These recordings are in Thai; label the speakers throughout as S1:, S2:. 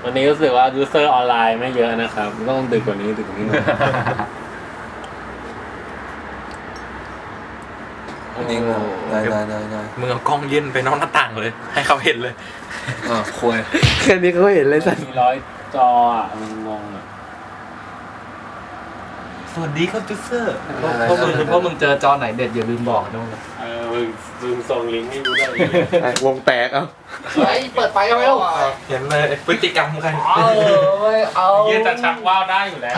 S1: วันนี้รู้สึกว่ายูเซอร์ออนไลน์ไม่เยอะนะครับต้องดึกกว่านี้หน่อย
S2: จริงเหรอได้
S3: มึงเอากล้องยื่นไปนอกหน้าต่างเลยให้เขาเห็นเลย
S2: คุย
S4: แค่นี้เขาเห็นเลยสัตว์
S1: มี100 จออ่ะมันงงอ่ะ
S3: สวัสดีครับจูเซอร์
S5: พวกมึงเจอจอไหนเด็ดอย่าลืมบอกนะ
S1: มึงส่งลิงก์ให้กูได้
S4: วงแตกเอา
S5: เฮ้ยเปิดไฟกันไหมลูก
S3: เห็นเลยพฤติกรรมกัน
S5: เอา
S1: ยืนจะชักว่าวได้อยู่แล้ว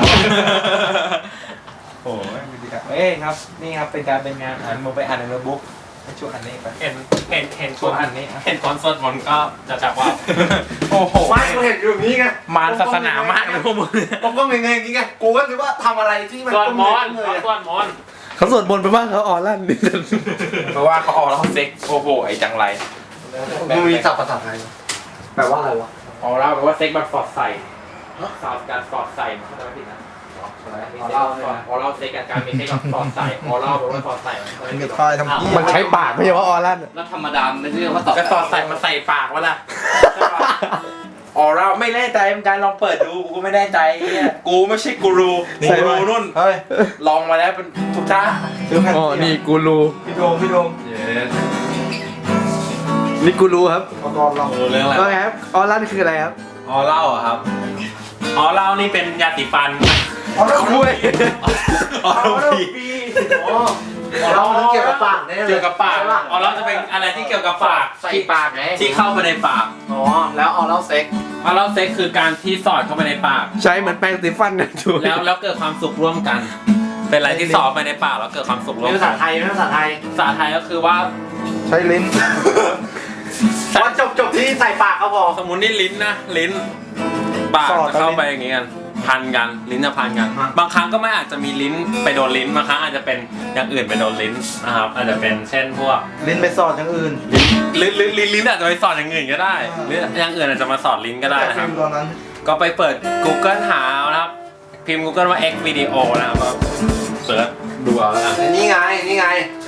S3: โอ้ยพฤติกรรมครับนี่ครับเป็นการเป็นงานมึงไปอ่านในโน้ตบุ๊กให้ช่วยอ่านนี่ไป
S1: เห็น
S3: ช่วยอ่านนี่
S1: เห็นตอนสวดมนต์ก็จะชักว่าว
S3: โอ้โห
S2: ไม่กูเห็นอยู่นี้ไง
S3: มารศาสนามากเลยพวกมึง
S2: ต้องก็เงยอย่างงี้ไงกูก็คิดว่าทำอะไรที่มัน
S1: สวดมนต์
S2: เลย
S1: สวดมนต์
S4: เขาสวดมนต์ไปบ้างเขาออลั่นนี่
S3: เพราะว่าเขาออกแล้วเขาเซ็กโอ้โหไอ้จังไร
S2: มึงมีศัพท์ภาษาไทยแปลว่าอะไรวะ
S3: ออกแล้วแปลว่าเซ็กแบบฟอร์ดใส่สาวการฟอร์ดใส่มันเข้าใจไม่ผิดนะออเล่าเซ็กการมีเซ็กแบบฟอร์ดใส่ออเล่าแปลว่าฟอร์ดใส่
S2: มึงจะทายทำพี่
S4: มันใช้ปากไม่ใช่ว่าออลั่น
S5: แล้วธรรมดาไม่ใช่ว่าตอบ
S3: ก็ฟอร์ดใส่มันใส่ปากวะล่ะออเล่าไม่แน่ใจเหมือนกันลองเปิดดูกูไม่แน่ใจเนี่ยกูไม่ใช่กูรูกูรูนุ่น
S2: เฮ้ย
S3: ลองมาแล้วเป็นทุกท่า
S4: อ๋อนี่กูรู
S2: พี่โดม
S4: นี่กูรูครับ
S2: ตอนเรา
S1: เรื่องอะไร
S4: ว่าไงครับออลั่นคืออะไรครับ
S3: ออเล่าอะครับ
S1: อ๋อเรานี่เป็นยาสีฟัน
S2: เอาแล้วคุย
S3: ออเล่าพี
S2: เรามันเกี่ยวกับปากแน่เลย
S1: เกี่ยวกับปากอ๋อเราจะเป็นอะไรที่เกี่ยวกับปาก
S5: ใส่ปากไง
S1: ที่เข้าไปในปาก
S5: อ๋อแล้วเอาเล่าเซ็ก
S1: อ๋อเราเซ็กคือการที่สอดเข้าไปในปาก
S4: ใช้เหมือนแปรงสีฟันนะจู
S1: แล้วเกิดความสุขร่วมกัน เป็นอะไรที่สอดไปในปากแล้วเกิดความสุขร่วม
S5: ภา
S1: กั
S5: ษาน ไทยภาษาไทย
S1: ภาษาไทยก็คือว่า
S2: ใช้ลิ้น
S5: วันจบที่ใส่ปากเขาพอ
S1: สมมุตินี่ลิ้นนะลิ้นปากจะเข้าไปอย่างงี้กันพันกันลิ้นจะพันกัน บางครั้งก็ไม่อาจจะมีลิ้นไปโดนลิ้นบางครั้งอาจจะเป็นอย่างอื่นไปโดนลิ้นนะครับอาจจะเป็นเช่นพวก
S2: ลิ้นไปสอดอย่างอื่น
S1: ลิ้นอาจจะไปสอดอย่างอื่นก็ได้หรืออย่างอื่นอาจจะมาสอดลิ้นก็ได้นะครับ
S2: ตอนนั้น
S1: ก็ไปเปิด Google หาเอานะครับพิมพ์ Google ว่า X video นะครับก็เสิร์ชดูเอาแล้วกัน
S2: นี่ไง